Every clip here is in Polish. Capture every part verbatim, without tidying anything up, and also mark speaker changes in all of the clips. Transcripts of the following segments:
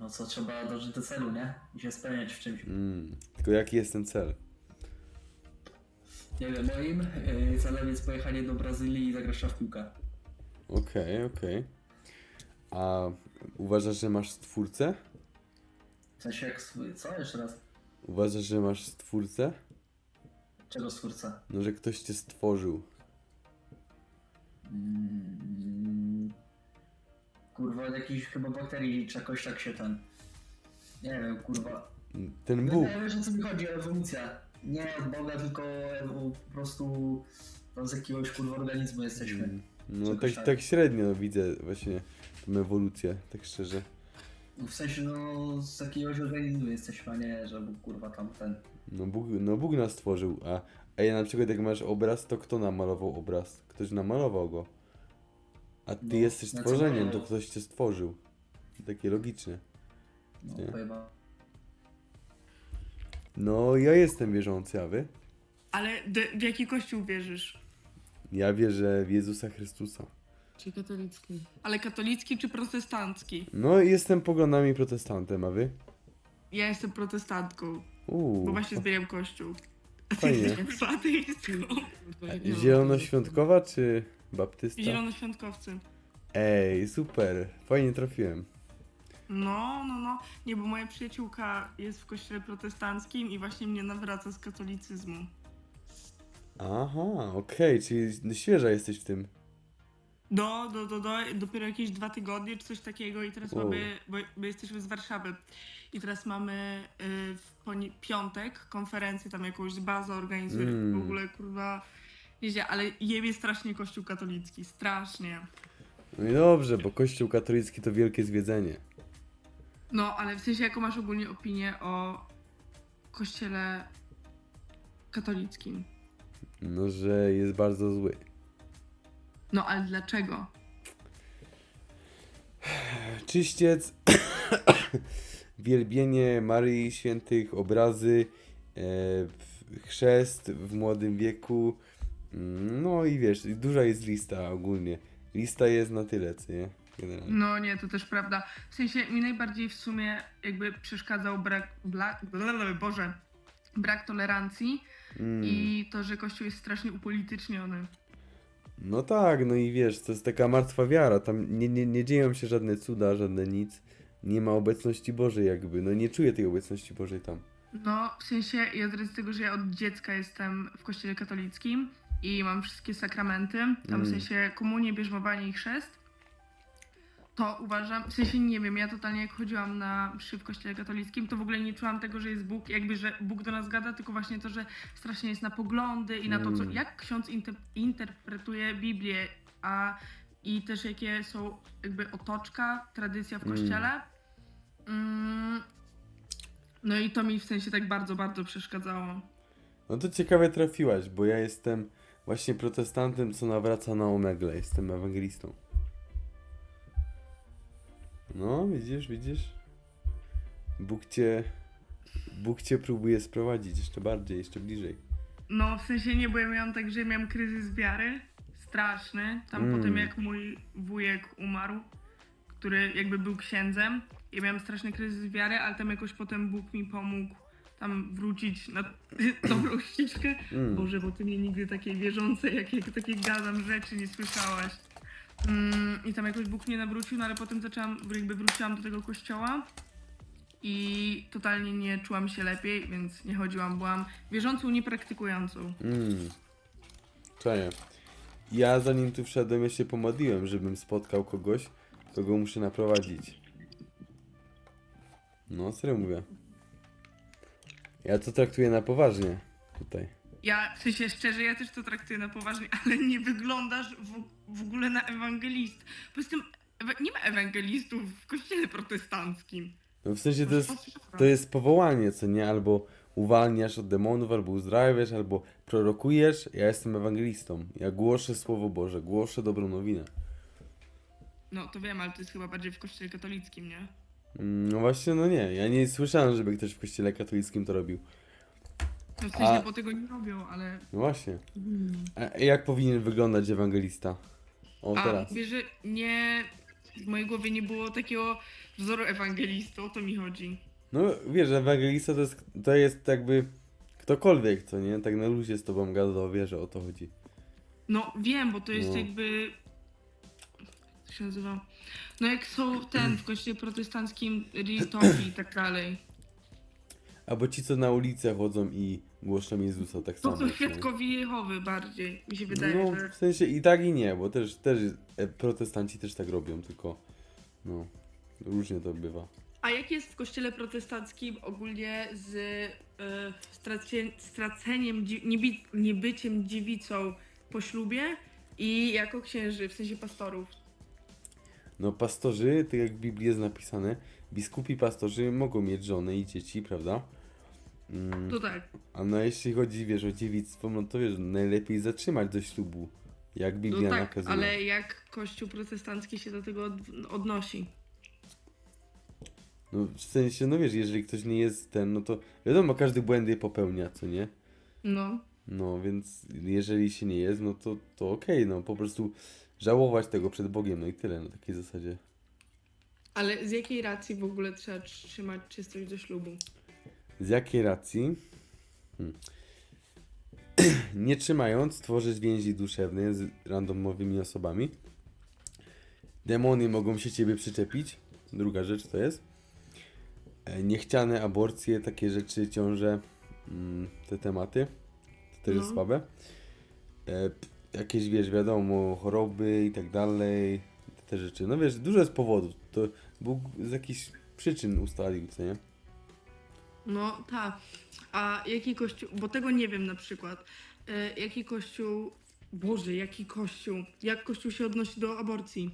Speaker 1: No co, trzeba dążyć do celu, nie? I się spełniać w czymś.
Speaker 2: Mm. Tylko jaki jest ten cel?
Speaker 1: Nie wiem, moim yy, celem jest pojechanie do Brazylii i zagrać w piłkę.
Speaker 2: Okej, okej. A uważasz, że masz stwórcę?
Speaker 1: W sensie jak swój... Co? Jeszcze raz?
Speaker 2: Uważasz, że masz stwórcę?
Speaker 1: Czego stwórca?
Speaker 2: No, że ktoś cię stworzył.
Speaker 1: Mm, kurwa, od jakichś chyba bakterii czy jakoś tak się ten... Nie wiem, kurwa.
Speaker 2: Ten
Speaker 1: No
Speaker 2: Bóg.
Speaker 1: nie wiesz o co mi chodzi, ewolucja. Nie od Boga, tylko ewo- po prostu tam z jakiegoś kurwa organizmu jesteśmy.
Speaker 2: Mm, No
Speaker 1: Czegoś
Speaker 2: tak,
Speaker 1: tak.
Speaker 2: tak średnio widzę właśnie tą ewolucję, tak szczerze.
Speaker 1: W sensie no z jakiegoś organizmu jesteśmy, a nie, że Bóg kurwa tam ten...
Speaker 2: No Bóg, no Bóg nas stworzył, a, a ja na przykład jak masz obraz, to kto namalował obraz? Ktoś namalował go. A ty
Speaker 1: No,
Speaker 2: jesteś
Speaker 1: na co
Speaker 2: stworzeniem, to
Speaker 1: malował?
Speaker 2: ktoś cię stworzył. Takie logiczne.
Speaker 1: No
Speaker 2: Nie.
Speaker 1: pojeba.
Speaker 2: No ja jestem wierzący, a wy?
Speaker 3: Ale d- w jaki kościół wierzysz?
Speaker 2: Ja wierzę w Jezusa Chrystusa.
Speaker 3: Czy katolicki? Ale katolicki czy protestancki?
Speaker 2: No i jestem poglądami protestantem, a wy?
Speaker 3: Ja jestem protestantką,
Speaker 2: Uuu,
Speaker 3: bo właśnie zmieniam kościół. A ty
Speaker 2: Fajnie.
Speaker 3: jesteś ateistką.
Speaker 2: zielonoświątkowa czy baptysta?
Speaker 3: Zielonoświątkowcy.
Speaker 2: Ej, super, fajnie trafiłem.
Speaker 3: No, no, no. Nie, bo moja przyjaciółka jest w kościele protestanckim i właśnie mnie nawraca z katolicyzmu.
Speaker 2: Aha, okej, czyli świeża jesteś w tym.
Speaker 3: Do, do, do, do, dopiero jakieś dwa tygodnie czy coś takiego i teraz
Speaker 2: Wow.
Speaker 3: mamy, bo my jesteśmy z Warszawy i teraz mamy y, w poni- piątek konferencję tam jakąś z bazą organizuje,
Speaker 2: Mm.
Speaker 3: w ogóle kurwa, wiecie, ale jebie strasznie kościół katolicki, strasznie.
Speaker 2: No i dobrze, bo Kościół katolicki to wielkie zwiedzenie.
Speaker 3: No, ale w sensie jaką masz ogólnie opinię o kościele katolickim?
Speaker 2: No, że jest bardzo zły.
Speaker 3: No, ale dlaczego?
Speaker 2: Czyściec, wielbienie Maryi Świętych, obrazy, e, chrzest w młodym wieku. Mm, No i wiesz, duża jest lista ogólnie. Lista jest na tyle, co nie? Generalnie.
Speaker 3: No nie, to też prawda. W sensie mi najbardziej w sumie jakby przeszkadzał brak, bla, blablabla, Boże, brak tolerancji
Speaker 2: Mm.
Speaker 3: i to, że Kościół jest strasznie upolityczniony.
Speaker 2: No tak, no i wiesz, to jest taka martwa wiara, tam nie, nie, nie dzieją się żadne cuda, żadne nic. Nie ma obecności Bożej jakby, no nie czuję tej obecności Bożej tam.
Speaker 3: No, w sensie ja z racji tego, że ja od dziecka jestem w kościele katolickim i mam wszystkie sakramenty, tam
Speaker 2: Mm.
Speaker 3: w sensie komunię, bierzmowanie i chrzest, to uważam, w sensie nie wiem, ja totalnie jak chodziłam na mszy w kościele katolickim, to w ogóle nie czułam tego, że jest Bóg, jakby, że Bóg do nas gada, tylko właśnie to, że strasznie jest na poglądy i na to, co,
Speaker 2: Mm.
Speaker 3: jak ksiądz inter- interpretuje Biblię, a i też jakie są jakby otoczka, tradycja w
Speaker 2: Mm.
Speaker 3: kościele. Mm. No i to mi w sensie tak bardzo, bardzo przeszkadzało.
Speaker 2: No to ciekawie trafiłaś, bo ja jestem właśnie protestantem, co nawraca na omegle, jestem ewangelistą. No, widzisz, widzisz? Bóg cię, Bóg cię próbuje sprowadzić jeszcze bardziej, jeszcze bliżej.
Speaker 3: No w sensie nie, bo ja miałam tak, że miałam kryzys wiary, straszny, tam
Speaker 2: Mm.
Speaker 3: po tym jak mój wujek umarł, który jakby był księdzem, ja miałam straszny kryzys wiary, ale tam jakoś potem Bóg mi pomógł tam wrócić na dobrą ścieżkę.
Speaker 2: Mm.
Speaker 3: Boże, bo ty mnie nigdy takiej wierzącej, jak, jak takie gadam rzeczy nie słyszałaś. Mm, I tam jakoś Bóg mnie nawrócił, no ale potem zaczęłam, jakby wróciłam do tego kościoła i totalnie nie czułam się lepiej, więc nie chodziłam, byłam wierzącą, niepraktykującą.
Speaker 2: Mm. Czaję. Ja zanim tu wszedłem, ja się pomodliłem, żebym spotkał kogoś, kogo muszę naprowadzić. No, serio mówię. Ja to traktuję na poważnie tutaj.
Speaker 3: Ja, w sensie szczerze, ja też to traktuję na poważnie, ale nie wyglądasz w, w ogóle na ewangelist. Poza tym ewa- nie ma ewangelistów w kościele protestanckim.
Speaker 2: No w sensie to
Speaker 3: Masz
Speaker 2: jest,
Speaker 3: pastora.
Speaker 2: to jest powołanie, co nie? Albo uwalniasz od demonów, albo uzdrawiasz, albo prorokujesz. Ja jestem ewangelistą. Ja głoszę Słowo Boże, głoszę dobrą nowinę.
Speaker 3: No to wiem, ale to jest chyba bardziej w kościele katolickim, nie?
Speaker 2: Mm, No właśnie, no nie. Ja nie słyszałem, żeby ktoś w kościele katolickim to robił.
Speaker 3: No w sensie,
Speaker 2: A-
Speaker 3: bo tego nie robią, ale...
Speaker 2: No właśnie. A jak powinien wyglądać ewangelista? O,
Speaker 3: A
Speaker 2: teraz.
Speaker 3: mówię, że nie... w mojej głowie nie było takiego wzoru ewangelisty, o to mi chodzi.
Speaker 2: No wiesz, ewangelista to jest, to jest jakby ktokolwiek, co nie? Tak na luzie z tobą gada, wie, że o to chodzi.
Speaker 3: No wiem, bo to jest
Speaker 2: No.
Speaker 3: jakby... Jak to się nazywa? No jak są ten w kościele protestanckim Ritowi i tak dalej.
Speaker 2: Albo ci, co na ulicę chodzą i głoszą Jezusa, tak
Speaker 3: To
Speaker 2: samo.
Speaker 3: są
Speaker 2: co nie?
Speaker 3: świadkowie Jehowy bardziej, mi się wydaje,
Speaker 2: No,
Speaker 3: że...
Speaker 2: w sensie i tak i nie, bo też, też e, protestanci też tak robią, tylko no, różnie to bywa.
Speaker 3: A jak jest w kościele protestanckim ogólnie z y, stracie, straceniem, dzi- niebi, niebyciem dziewicą po ślubie i jako księży, w sensie pastorów?
Speaker 2: No pastorzy, tak jak w Biblii jest napisane, biskupi pastorzy mogą mieć żony i dzieci, prawda? Mm,
Speaker 3: To tak.
Speaker 2: a no jeśli chodzi, wiesz, o dziewictwo, no to wiesz, najlepiej zatrzymać do ślubu, jak
Speaker 3: No
Speaker 2: Biblia
Speaker 3: tak,
Speaker 2: nakazuje.
Speaker 3: ale jak kościół protestancki się do tego od, odnosi?
Speaker 2: No w sensie, no wiesz, jeżeli ktoś nie jest ten, no to wiadomo, każdy błędy popełnia, co nie?
Speaker 3: No.
Speaker 2: No więc jeżeli się nie jest, no to, to okej, no po prostu żałować tego przed Bogiem, no i tyle, na takiej zasadzie.
Speaker 3: Ale z jakiej racji w ogóle trzeba trzymać czystość do ślubu?
Speaker 2: Z jakiej racji? Hmm. Nie trzymając, tworzyć więzi duszewne z randomowymi osobami. Demony mogą się ciebie przyczepić. Druga rzecz to jest. E, Niechciane aborcje, takie rzeczy, ciąże, mm, te tematy. To też jest
Speaker 3: No.
Speaker 2: słabe. E, p- jakieś, wiesz, wiadomo, choroby i tak dalej. Te rzeczy. No wiesz, dużo jest powodów. To Bóg z jakichś przyczyn ustalił, co nie?
Speaker 3: No tak. A jaki kościół, bo tego nie wiem na przykład. E, jaki kościół, Boże, jaki kościół? Jak kościół się odnosi do aborcji?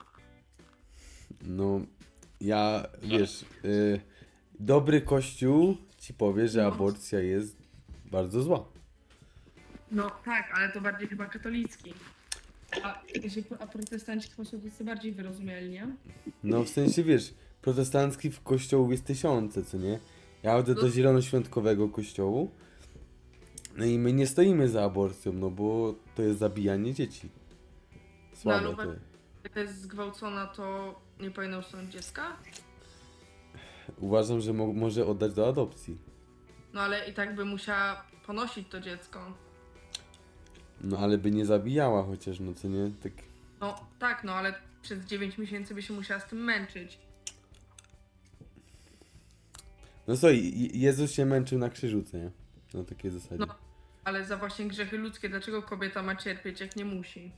Speaker 2: No, ja, wiesz, y, dobry kościół ci powie, że
Speaker 3: No.
Speaker 2: aborcja jest bardzo zła.
Speaker 3: No tak, ale to bardziej chyba katolicki. A, jeżeli- a protestanci w sposób jest bardziej wyrozumiali, nie?
Speaker 2: No, w sensie, wiesz, protestanckich kościołów jest tysiące, co nie? Ja chodzę
Speaker 3: No.
Speaker 2: do zielonoświątkowego kościołu, no i my nie stoimy za aborcją, no bo to jest zabijanie dzieci. Słabe
Speaker 3: No, ale
Speaker 2: to
Speaker 3: uwa-
Speaker 2: jest.
Speaker 3: Jak jest zgwałcona, to nie powinna usunąć dziecka?
Speaker 2: Uważam, że mo może oddać do adopcji.
Speaker 3: No ale i tak by musiała ponosić to dziecko.
Speaker 2: No, ale by nie zabijała chociaż, no co nie? Tak...
Speaker 3: No tak, no ale przez dziewięć miesięcy by się musiała z tym męczyć.
Speaker 2: No słuchaj, Je- Jezus się męczył na krzyżu, co nie? Na takiej zasadzie.
Speaker 3: No. Ale za właśnie grzechy ludzkie, dlaczego kobieta ma cierpieć, jak nie musi?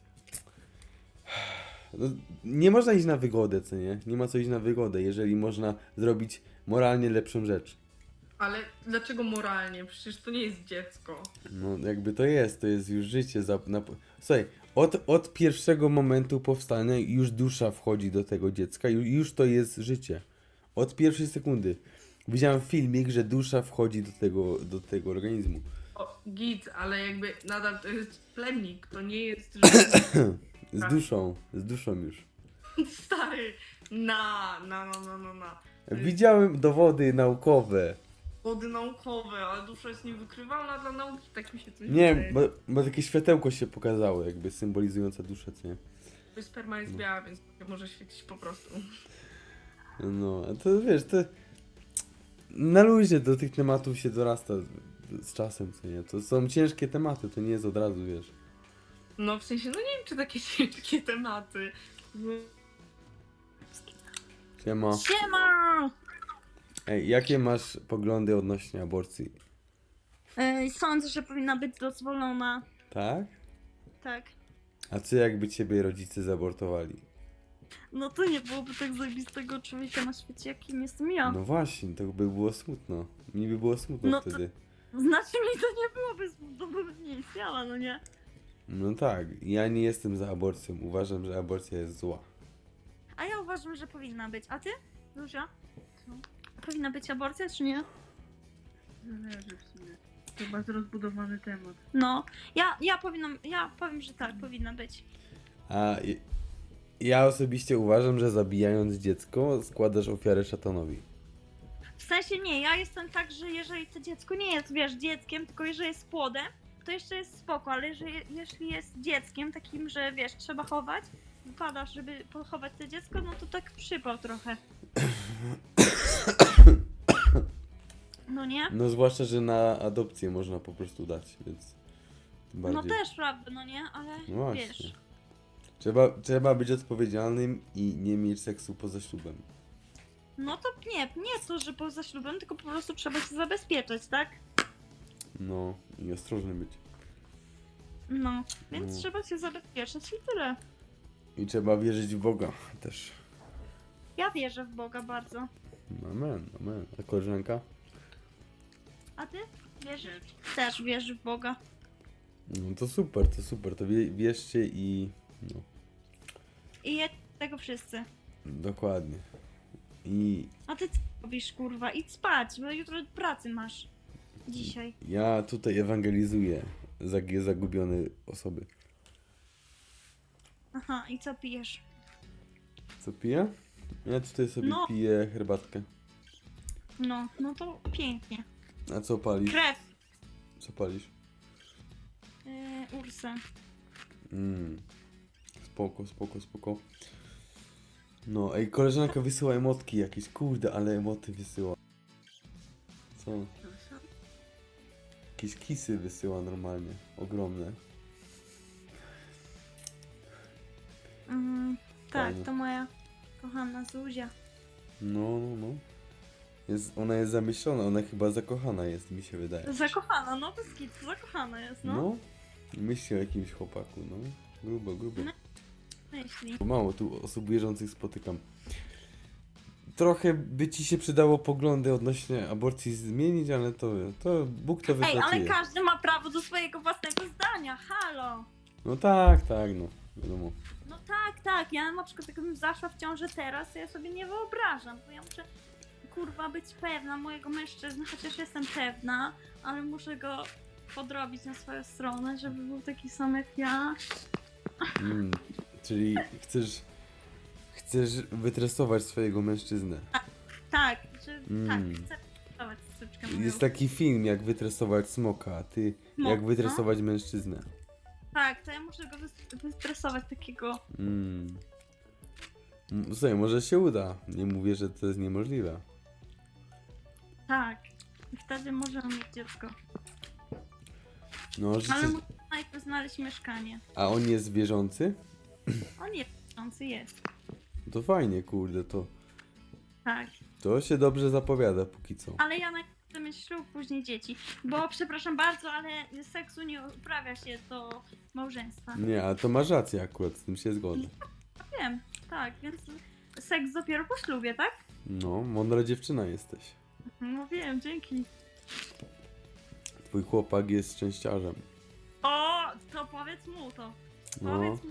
Speaker 2: No, nie można iść na wygodę, co nie? Nie ma co iść na wygodę, jeżeli można zrobić moralnie lepszą rzecz.
Speaker 3: Ale dlaczego moralnie? Przecież to nie jest dziecko.
Speaker 2: No jakby to jest, to jest już życie. Za, na, słuchaj, od, od pierwszego momentu powstania już dusza wchodzi do tego dziecka, już, już to jest życie. Od pierwszej sekundy. Widziałem filmik, że dusza wchodzi do tego, do tego organizmu.
Speaker 3: O, git, ale jakby nadal to jest plemnik, to nie jest życie.
Speaker 2: Z
Speaker 3: Tak.
Speaker 2: duszą, z duszą już.
Speaker 3: Stary, na, na, na, na, na, na.
Speaker 2: Widziałem dowody naukowe.
Speaker 3: Wody naukowe, ale dusza jest niewykrywalna dla nauki, tak mi się coś
Speaker 2: Nie,
Speaker 3: wydaje.
Speaker 2: bo, bo takie światełko się pokazało, jakby symbolizujące duszę, co nie?
Speaker 3: Sperma jest biała, więc może świecić po prostu.
Speaker 2: No, a to wiesz, to na luzie do tych tematów się dorasta z- z czasem, co nie? To są ciężkie tematy, to nie jest od razu, wiesz.
Speaker 3: No w sensie, no nie wiem, czy takie ciężkie tematy.
Speaker 2: Siema.
Speaker 4: Siema!
Speaker 2: Ej, jakie masz poglądy odnośnie aborcji?
Speaker 4: Ej, sądzę, że powinna być dozwolona.
Speaker 2: Tak?
Speaker 4: Tak.
Speaker 2: A co jakby ciebie rodzice zabortowali?
Speaker 4: No to nie byłoby tak zajebistego człowieka na świecie, jakim jestem ja.
Speaker 2: No właśnie, to by było smutno. Mi by było smutno
Speaker 4: No to-
Speaker 2: wtedy.
Speaker 4: Znaczy mi to nie byłoby, to by nie istniała, no nie?
Speaker 2: No tak, ja nie jestem za aborcją. Uważam, że aborcja jest zła.
Speaker 4: A ja uważam, że powinna być. A ty? Zuzia? Powinna być aborcja, czy nie?
Speaker 3: Zależy w sumie. To bardzo rozbudowany temat.
Speaker 4: No, ja, ja powinnam, ja powiem, że tak, powinna być.
Speaker 2: A i- ja osobiście uważam, że zabijając dziecko składasz ofiarę szatanowi.
Speaker 4: W sensie nie, ja jestem tak, że jeżeli to dziecko nie jest, wiesz, dzieckiem, tylko jeżeli jest płodem, to jeszcze jest spoko, ale jeżeli, jeśli jest dzieckiem takim, że wiesz, trzeba chować, wypadasz, żeby pochować to dziecko, no to tak przypał trochę. No nie?
Speaker 2: No zwłaszcza, że na adopcję można po prostu dać, więc tym
Speaker 4: No
Speaker 2: bardziej.
Speaker 4: też prawda, no nie? Ale
Speaker 2: No właśnie.
Speaker 4: wiesz.
Speaker 2: Trzeba, trzeba być odpowiedzialnym i nie mieć seksu poza ślubem.
Speaker 4: No to nie, nie to, że poza ślubem, tylko po prostu trzeba się zabezpieczać, tak?
Speaker 2: No i ostrożny być.
Speaker 4: No, więc
Speaker 2: No.
Speaker 4: trzeba się zabezpieczyć i tyle.
Speaker 2: I trzeba wierzyć w Boga też.
Speaker 4: Ja wierzę w Boga bardzo.
Speaker 2: Amen, amen. A koleżanka?
Speaker 4: A ty? Wierzysz? Też wierzysz w Boga.
Speaker 2: No to super, to super. To wie, wierzcie i... No,
Speaker 4: I jedz tego wszyscy.
Speaker 2: dokładnie. I
Speaker 4: A ty co robisz, kurwa? Idź spać, bo jutro pracy masz. Dzisiaj.
Speaker 2: ja tutaj ewangelizuję zag- zagubione osoby.
Speaker 4: Aha, i co pijesz?
Speaker 2: Co piję? Ja tutaj sobie
Speaker 4: No.
Speaker 2: piję herbatkę.
Speaker 4: No, no to pięknie.
Speaker 2: A co palisz?
Speaker 4: Krew.
Speaker 2: Co palisz?
Speaker 4: Yy, Ursę.
Speaker 2: Mm. Spoko, spoko, spoko. No, ej, koleżanka wysyła emotki jakieś, kurde, ale emoty wysyła. Co? Jakieś kisy wysyła normalnie, ogromne.
Speaker 4: Mm, tak,
Speaker 2: Fajnie.
Speaker 4: to moja kochana Zuzia.
Speaker 2: No, no, no. Jest, ona jest zamyślona, ona chyba zakochana jest, mi się wydaje.
Speaker 4: Zakochana, no bez kitu, zakochana jest, no.
Speaker 2: No? Myśli o jakimś chłopaku, no. Grubo, grubo.
Speaker 4: No. Myśli.
Speaker 2: Mało tu osób wierzących spotykam. Trochę by ci się przydało poglądy odnośnie aborcji zmienić, ale to, to Bóg to
Speaker 4: Ej,
Speaker 2: wypracuje.
Speaker 4: ale każdy ma prawo do swojego własnego zdania, halo!
Speaker 2: No tak, tak, no. Wiadomo.
Speaker 4: No tak, tak, ja na przykład jakbym zaszła w ciążę teraz, to ja sobie nie wyobrażam, bo ja muszę, kurwa, być pewna mojego mężczyzny, chociaż jestem pewna, ale muszę go podrobić na swoją stronę, żeby był taki sam jak ja.
Speaker 2: Mm, czyli chcesz, chcesz wytresować swojego mężczyznę.
Speaker 4: Tak, że
Speaker 2: Mm.
Speaker 4: tak, chcę pracować córeczkę moją.
Speaker 2: Jest taki film, jak wytresować smoka, a ty
Speaker 4: Smok,
Speaker 2: jak wytresować mężczyznę.
Speaker 4: Tak, to ja muszę go wys- wystresować takiego.
Speaker 2: Mm. Mm, Słuchaj, może się uda. Nie mówię, że to jest niemożliwe.
Speaker 4: Tak. I wtedy możemy mieć dziecko.
Speaker 2: No, życzę...
Speaker 4: Ale musimy najpierw znaleźć mieszkanie.
Speaker 2: A on jest wierzący?
Speaker 4: On jest, wierzący jest.
Speaker 2: To fajnie, kurde, to,
Speaker 4: Tak.
Speaker 2: to się dobrze zapowiada póki co.
Speaker 4: Ale ja najpierw chcę mieć ślub, później dzieci. Bo przepraszam bardzo, ale seksu nie uprawia się do małżeństwa.
Speaker 2: Nie, a to masz rację akurat, z tym się zgodzę.
Speaker 4: Wiem, tak, więc seks dopiero po ślubie, tak?
Speaker 2: No, mądra dziewczyna jesteś.
Speaker 4: No wiem, dzięki.
Speaker 2: Twój chłopak jest szczęściarzem.
Speaker 4: O, to powiedz mu to.
Speaker 2: No,
Speaker 4: Powiedz mu.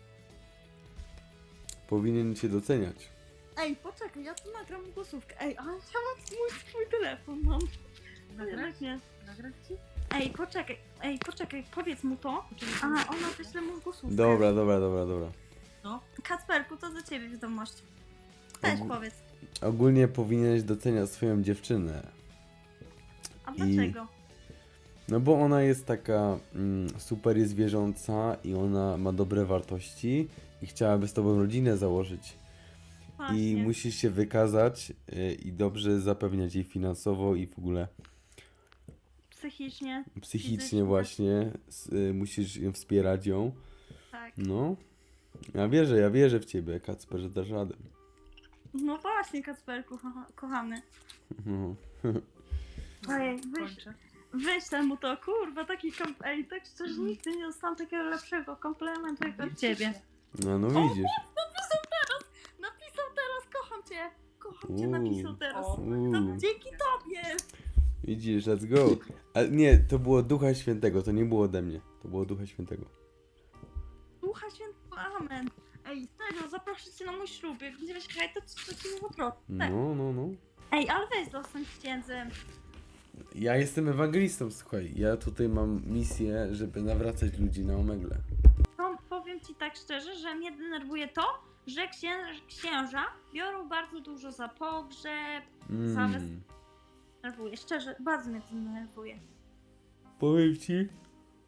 Speaker 2: powinien cię doceniać.
Speaker 4: Ej, poczekaj, ja tu nagram głosówkę. Ej, ale ja mam mój swój telefon, mam. Jednak nie.
Speaker 3: Nagrać ci?
Speaker 4: Ej, poczekaj, ej, poczekaj, powiedz mu to. A, ona wyśle mu głosówkę.
Speaker 2: Dobra, dobra, dobra, dobra.
Speaker 4: Kacperku, to do ciebie wiadomość. Też
Speaker 2: Ogó-
Speaker 4: powiedz.
Speaker 2: Ogólnie powinieneś doceniać swoją dziewczynę.
Speaker 4: A
Speaker 2: I-
Speaker 4: dlaczego?
Speaker 2: No bo ona jest taka mm, super jest wierząca i ona ma dobre wartości i chciałaby z tobą rodzinę założyć.
Speaker 4: Właśnie.
Speaker 2: I musisz się wykazać y, i dobrze zapewniać jej finansowo i w ogóle
Speaker 4: Psychicznie,
Speaker 2: psychicznie
Speaker 4: Fizycznie.
Speaker 2: właśnie. S, y, musisz ją wspierać ją.
Speaker 4: tak.
Speaker 2: No. Ja wierzę, ja wierzę w ciebie, Kacper, że dasz radę.
Speaker 4: No właśnie, Kacperku, kocha- kochany.
Speaker 2: No.
Speaker 4: Ej, wyś,
Speaker 3: Kończę.
Speaker 4: wyślę mu to, kurwa, taki kom... Ej, tak szczerze, nigdy nie dostałam takiego lepszego komplementu jak od ciebie.
Speaker 2: No, no widzisz.
Speaker 4: Napisał teraz, napisał teraz, kocham cię. Kocham cię,
Speaker 2: Uuu.
Speaker 4: napisał teraz.
Speaker 3: O,
Speaker 2: Uuu.
Speaker 4: To dzięki tobie.
Speaker 2: Widzisz, let's go. Ale nie, to było Ducha Świętego, to nie było ode mnie. To było Ducha Świętego.
Speaker 4: Ducha Świętego, amen. Ej, serio, zaproszę cię na mój ślub. Jak będziesz hej, to to ci nie zaproszę.
Speaker 2: No, no, no.
Speaker 4: Ej, ale weź zostań księdzem.
Speaker 2: Ja jestem ewangelistą, słuchaj. Ja tutaj mam misję, żeby nawracać ludzi na omegle.
Speaker 4: To powiem ci tak szczerze, że mnie denerwuje to, że księ księża biorą bardzo dużo za pogrzeb. Zamiast-
Speaker 2: Mm.
Speaker 4: Denerwuje, szczerze, bardzo mnie to denerwuje.
Speaker 2: Powiem ci,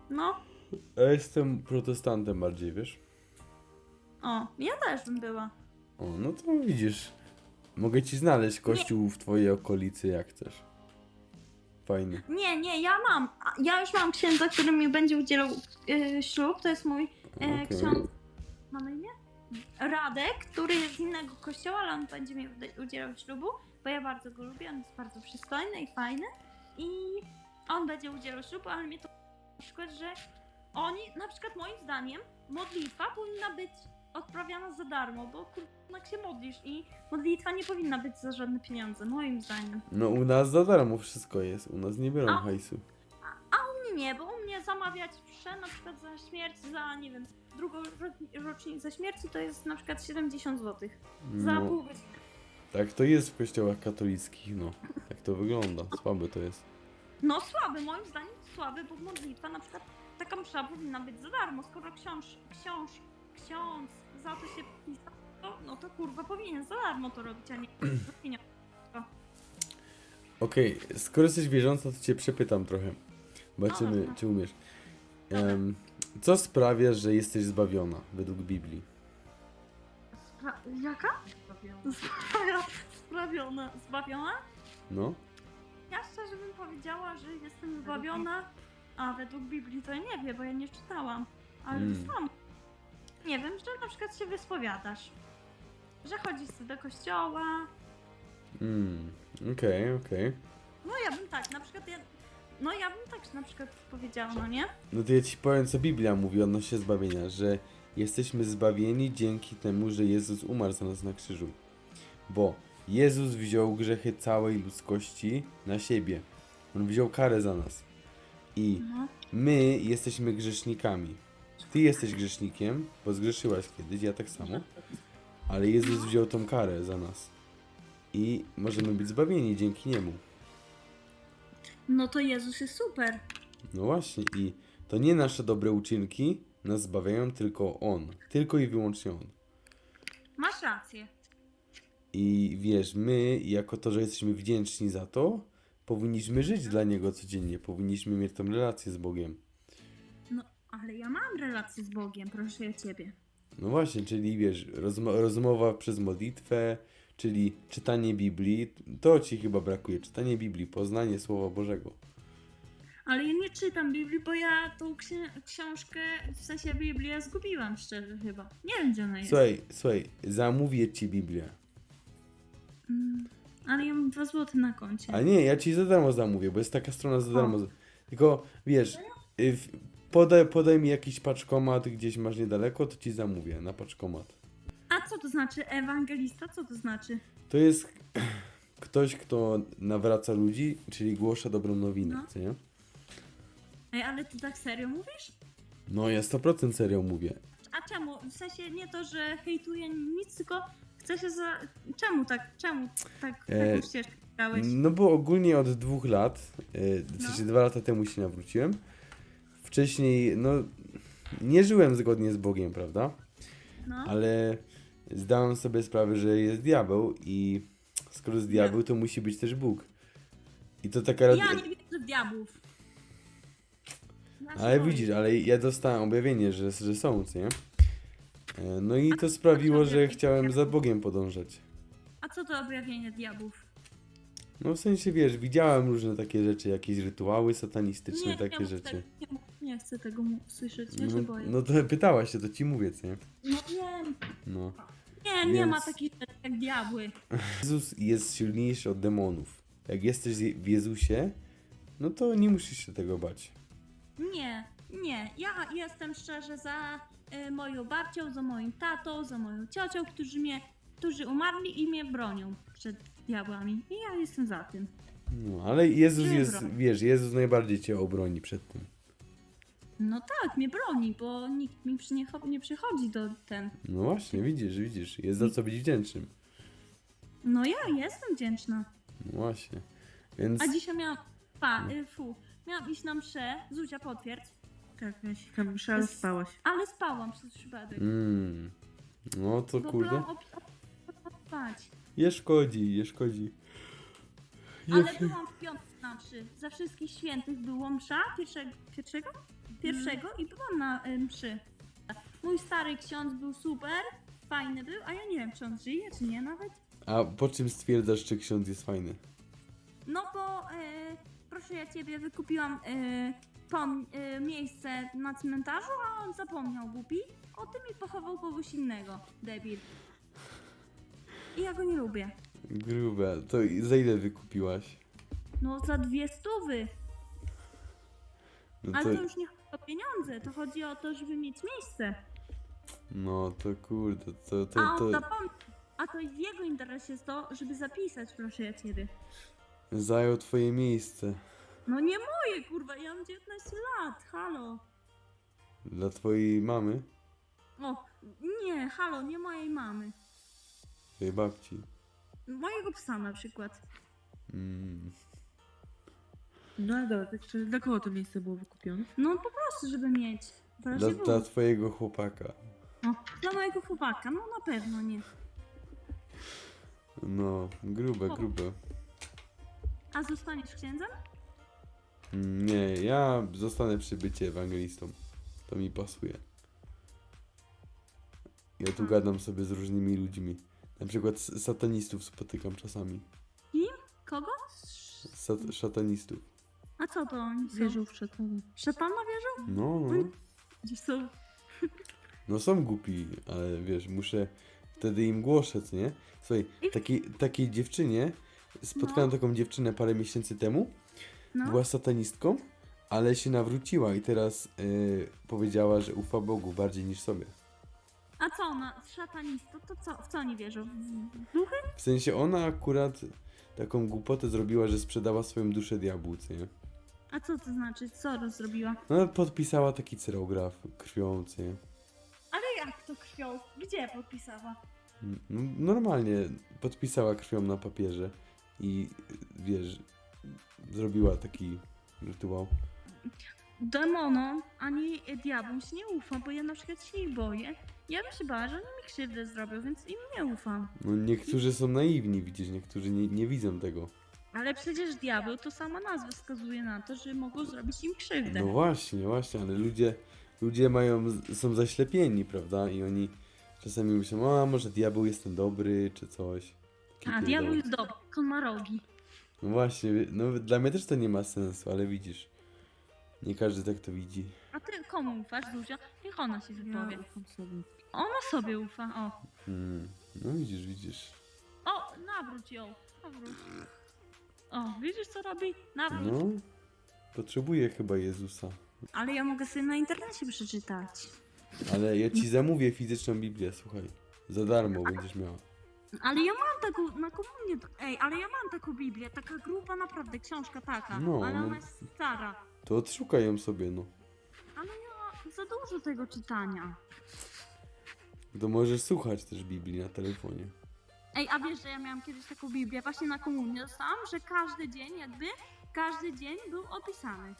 Speaker 4: No,
Speaker 2: Ja jestem protestantem bardziej, wiesz?
Speaker 4: o, ja też bym była.
Speaker 2: O, no to widzisz. Mogę ci znaleźć kościół w twojej okolicy, jak chcesz. Fajny.
Speaker 4: Nie, nie, ja mam. a, Ja już mam księdza, który mi będzie udzielał y, ślub. To jest mój e,
Speaker 2: Okej.
Speaker 4: ksiądz. Ma na imię? Radek, który jest z innego kościoła, ale on będzie mi ude- udzielał ślubu, bo ja bardzo go lubię. On jest bardzo przystojny i fajny. I on będzie udzielał ślubu, ale mnie to na przykład, że oni, na przykład moim zdaniem, modlitwa powinna być odprawiana za darmo, bo kurwa się modlisz i modlitwa nie powinna być za żadne pieniądze, moim zdaniem.
Speaker 2: No u nas za darmo wszystko jest. U nas nie biorą
Speaker 4: A-
Speaker 2: hajsu.
Speaker 4: Nie, nie, bo u mnie zamawiać mszę na przykład za śmierć, za nie wiem, drugą ro- rocznicę śmierci to jest na przykład siedemdziesiąt złotych. Za
Speaker 2: No,
Speaker 4: pół godziny.
Speaker 2: tak to jest w kościołach katolickich, no. Tak to wygląda. Słabe to jest.
Speaker 4: No słaby, moim zdaniem słaby, bo modlitwa na przykład taka msza powinna być za darmo, skoro książ, książ, ksiądz za to się pisał, to, no to kurwa powinien za darmo to robić, a nie za pieniądze.
Speaker 2: Okej, skoro jesteś wierząca, to cię przepytam trochę. Zobaczymy,
Speaker 4: dobra.
Speaker 2: czy umiesz.
Speaker 4: Dobra.
Speaker 2: Em, co sprawia, że jesteś zbawiona według Biblii?
Speaker 4: Spra- jaka? Sprawia- Sprawiona, zbawiona?
Speaker 2: No?
Speaker 4: Ja szczerze bym powiedziała, że jestem zbawiona, a według Biblii to ja nie wiem, bo ja nie czytałam. Ale
Speaker 2: Mm.
Speaker 4: sam. Nie wiem, że na przykład się wyspowiadasz. Że chodzisz sobie do kościoła.
Speaker 2: Mm, okej, okej.
Speaker 4: No ja bym tak, na przykład ja... No ja bym tak na przykład powiedziała, no nie?
Speaker 2: No to ja ci powiem, co Biblia mówi odnośnie zbawienia, że jesteśmy zbawieni dzięki temu, że Jezus umarł za nas na krzyżu. Bo Jezus wziął grzechy całej ludzkości na siebie. On wziął karę za nas. I
Speaker 4: No.
Speaker 2: my jesteśmy grzesznikami. Ty jesteś grzesznikiem, bo zgrzeszyłaś kiedyś, ja tak samo. Ale Jezus wziął tą karę za nas. I możemy być zbawieni dzięki Niemu.
Speaker 4: No to Jezus jest super.
Speaker 2: No właśnie, i to nie nasze dobre uczynki nas zbawiają, tylko On. Tylko i wyłącznie On.
Speaker 4: Masz rację.
Speaker 2: I wiesz, my, jako to, że jesteśmy wdzięczni za to, powinniśmy żyć dla Niego codziennie. Powinniśmy mieć tą relację z Bogiem.
Speaker 4: No, ale ja mam relację z Bogiem, proszę ja ciebie.
Speaker 2: No właśnie, czyli wiesz, rozmo- rozmowa przez modlitwę, czyli czytanie Biblii, to ci chyba brakuje. Czytanie Biblii, poznanie Słowa Bożego.
Speaker 4: Ale ja nie czytam Biblii, bo ja tą ksi- książkę, w sensie Biblię zgubiłam szczerze chyba. Nie wiem, gdzie ona jest.
Speaker 2: Słuchaj, słuchaj, zamówię ci Biblię.
Speaker 4: Mm, ale ja mam dwa złote na koncie.
Speaker 2: A nie, ja ci za darmo zamówię, bo jest taka strona za
Speaker 4: O.
Speaker 2: darmo. Tylko wiesz, y, w- podaj, podaj mi jakiś paczkomat, gdzieś masz niedaleko, to ci zamówię na paczkomat.
Speaker 4: A co to znaczy ewangelista? Co to znaczy?
Speaker 2: To jest ktoś, kto nawraca ludzi, czyli głasza dobrą nowinę,
Speaker 4: No.
Speaker 2: co nie?
Speaker 4: Ej, ale ty tak serio mówisz?
Speaker 2: No ja sto procent serio mówię.
Speaker 4: A czemu? W sensie nie to, że hejtuję nic, tylko chcę się za... Czemu tak? Czemu tak
Speaker 2: E,
Speaker 4: taką ścieżkę dałeś?
Speaker 2: No bo ogólnie od dwóch lat, y, w
Speaker 4: No.
Speaker 2: sensie dwa lata temu się nawróciłem. Wcześniej, no, nie żyłem zgodnie z Bogiem, prawda?
Speaker 4: No.
Speaker 2: Ale zdałem sobie sprawę, że jest diabeł i skoro jest diabeł, to musi być też Bóg. I to taka rad...
Speaker 4: Ja nie wierzę w diabłów. Ja się
Speaker 2: Ale
Speaker 4: boję.
Speaker 2: widzisz, ale ja dostałem objawienie, że, że są, co nie? E, No i to sprawiło, że chciałem za Bogiem podążać.
Speaker 4: A co to objawienie diabłów?
Speaker 2: No w sensie, wiesz, widziałem różne takie rzeczy, jakieś rytuały satanistyczne,
Speaker 4: nie,
Speaker 2: takie
Speaker 4: nie mów
Speaker 2: rzeczy.
Speaker 4: Tego, nie, mów, nie chcę tego mu- słyszeć, ja się
Speaker 2: No,
Speaker 4: boję.
Speaker 2: no to pytałaś się, to ci mówię, co nie?
Speaker 4: No wiem.
Speaker 2: No.
Speaker 4: Nie, nie
Speaker 2: Więc-
Speaker 4: ma takich rzeczy jak diabły.
Speaker 2: Jezus jest silniejszy od demonów. Jak jesteś w Jezusie, no to nie musisz się tego bać.
Speaker 4: Nie, nie. Ja jestem szczerze za y, moją babcią, za moim tatą, za moją ciocią, którzy mnie, którzy umarli i mnie bronią przed diabłami. I ja jestem za tym.
Speaker 2: No, ale Jezus
Speaker 4: Czy
Speaker 2: jest,
Speaker 4: broń?
Speaker 2: wiesz, Jezus najbardziej cię obroni przed tym.
Speaker 4: No tak, mnie broni, bo nikt mi przy nie, nie przychodzi do ten.
Speaker 2: No właśnie, widzisz, widzisz, jest za co być wdzięcznym.
Speaker 4: No ja jestem wdzięczna.
Speaker 2: No właśnie, więc...
Speaker 4: A dzisiaj miałam. Pa, y, fu. Miałam iść na mszę. Zuzia, potwierdź.
Speaker 3: Tak, miałeś tam mszę, ale spałaś.
Speaker 4: Ale spałam przez przypadek.
Speaker 2: Mm. No to
Speaker 4: Bo
Speaker 2: kurde,
Speaker 4: byłam op- op- op- spać.
Speaker 2: nie szkodzi, nie szkodzi.
Speaker 4: Ale byłam w piątek znaczy, za wszystkich świętych było msza pierwszego, pierwszego? Pierwszego i byłam na y, mszy. Mój stary ksiądz był super, fajny był, a ja nie wiem, czy on żyje, czy nie nawet.
Speaker 2: A po czym stwierdzasz, czy ksiądz jest fajny?
Speaker 4: No bo, y, proszę ja ciebie, wykupiłam y, pom- y, miejsce na cmentarzu, a on zapomniał, głupi. O tym i pochował kogoś innego, debil. I ja go nie lubię.
Speaker 2: Grube. To i za ile wykupiłaś?
Speaker 4: No za dwie stówy.
Speaker 2: No
Speaker 4: Ale
Speaker 2: to,
Speaker 4: to już nie chodzi o pieniądze, to chodzi o to, żeby mieć miejsce.
Speaker 2: no to kurde, to, to,
Speaker 4: A on
Speaker 2: to
Speaker 4: zapomniał. A to w jego interesie jest to, żeby zapisać, proszę ja ciebie.
Speaker 2: zajął twoje miejsce.
Speaker 4: No nie moje, kurwa, ja mam dziewiętnaście lat, halo.
Speaker 2: Dla twojej mamy?
Speaker 4: O, nie, halo, nie mojej mamy.
Speaker 2: Twojej babci.
Speaker 4: Mojego psa na przykład.
Speaker 2: Mm.
Speaker 5: No ale dobra, tak szczerze, dla kogo to miejsce było wykupione?
Speaker 4: No po prostu, żeby mieć. W
Speaker 2: Dla,
Speaker 4: razie
Speaker 2: dla
Speaker 4: było.
Speaker 2: twojego chłopaka.
Speaker 4: No, dla mojego chłopaka, no na pewno nie.
Speaker 2: No, grube,
Speaker 4: O.
Speaker 2: grube.
Speaker 4: A zostaniesz księdzem?
Speaker 2: Mm, Nie, ja zostanę przy bycie ewangelistą. To mi pasuje. Ja tu
Speaker 4: Hmm.
Speaker 2: gadam sobie z różnymi ludźmi. Na przykład s- satanistów spotykam czasami.
Speaker 4: Kogo?
Speaker 2: Sat szatanistów.
Speaker 4: A co to oni są?
Speaker 5: Wierzył w szatana.
Speaker 4: Szatana wierzą?
Speaker 2: No, no.
Speaker 4: Gdzie są?
Speaker 2: No są głupi, ale wiesz, muszę wtedy im głoszę, co nie? Słuchaj, takiej, takiej dziewczynie, spotkałem
Speaker 4: No.
Speaker 2: taką dziewczynę parę miesięcy temu,
Speaker 4: No.
Speaker 2: była satanistką, ale się nawróciła i teraz yy, powiedziała, że ufa Bogu bardziej niż sobie.
Speaker 4: A co ona? Szatanista? To co? W co oni wierzą? W duchy?
Speaker 2: W sensie ona akurat taką głupotę zrobiła, że sprzedała swoją duszę diabłu, co nie?
Speaker 4: A co to znaczy? Co rozrobiła?
Speaker 2: No podpisała taki cyrograf krwią, co nie?
Speaker 4: Ale jak to krwią? Gdzie podpisała?
Speaker 2: No, normalnie podpisała krwią na papierze i wiesz, zrobiła taki rytuał.
Speaker 4: Demonom ani diabłom się nie ufam, bo ja na przykład się ich boję. Ja bym się bała, że oni mi krzywdę zrobią, więc im nie ufam.
Speaker 2: No niektórzy są naiwni, widzisz, niektórzy nie, nie widzą tego.
Speaker 4: Ale przecież diabeł to sama nazwa wskazuje na to, że mogą zrobić im krzywdę.
Speaker 2: No właśnie, właśnie, ale ludzie, ludzie mają, są zaślepieni, prawda? I oni czasami myślą, a może diabeł jest ten dobry, czy coś. Taki
Speaker 4: A
Speaker 2: pierdoły.
Speaker 4: diabeł jest dobry, tylko on ma rogi.
Speaker 2: No właśnie, no dla mnie też to nie ma sensu, ale widzisz, nie każdy tak to widzi.
Speaker 4: A ty komu ufasz, Zuzia? Niech ona się
Speaker 5: Ja
Speaker 4: wypowie.
Speaker 5: ufam sobie.
Speaker 4: Ona sobie ufa, o.
Speaker 2: Hmm. No widzisz, widzisz.
Speaker 4: O, nawróć ją, nawróć. O, widzisz co robi? Nawróć.
Speaker 2: No, potrzebuję chyba Jezusa.
Speaker 4: Ale ja mogę sobie na internecie przeczytać.
Speaker 2: Ale ja ci zamówię fizyczną Biblię, słuchaj. Za darmo będziesz miała.
Speaker 4: Ale ja mam taką, na komunię, ej, ale ja mam taką Biblię, taka gruba naprawdę, książka taka,
Speaker 2: No,
Speaker 4: ale
Speaker 2: no.
Speaker 4: ona jest stara.
Speaker 2: To odszukaj ją sobie, no.
Speaker 4: Ale ja za dużo tego czytania.
Speaker 2: To możesz słuchać też Biblii na telefonie.
Speaker 4: Ej, a wiesz, że ja miałam kiedyś taką Biblię, właśnie na komunię dostałam, że każdy dzień jakby, każdy dzień był opisany.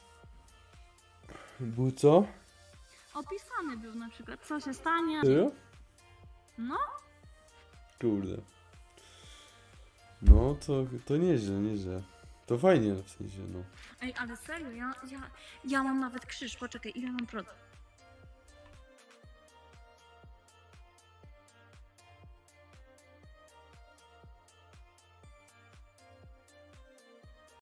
Speaker 2: Był co?
Speaker 4: Opisany był na przykład, co się stanie.
Speaker 2: Serio?
Speaker 4: No,
Speaker 2: Kurde. No, to, to nieźle, nieźle. To fajnie w sensie, no.
Speaker 4: ej, ale serio, ja, ja, ja mam nawet krzyż, poczekaj, ile mam procent?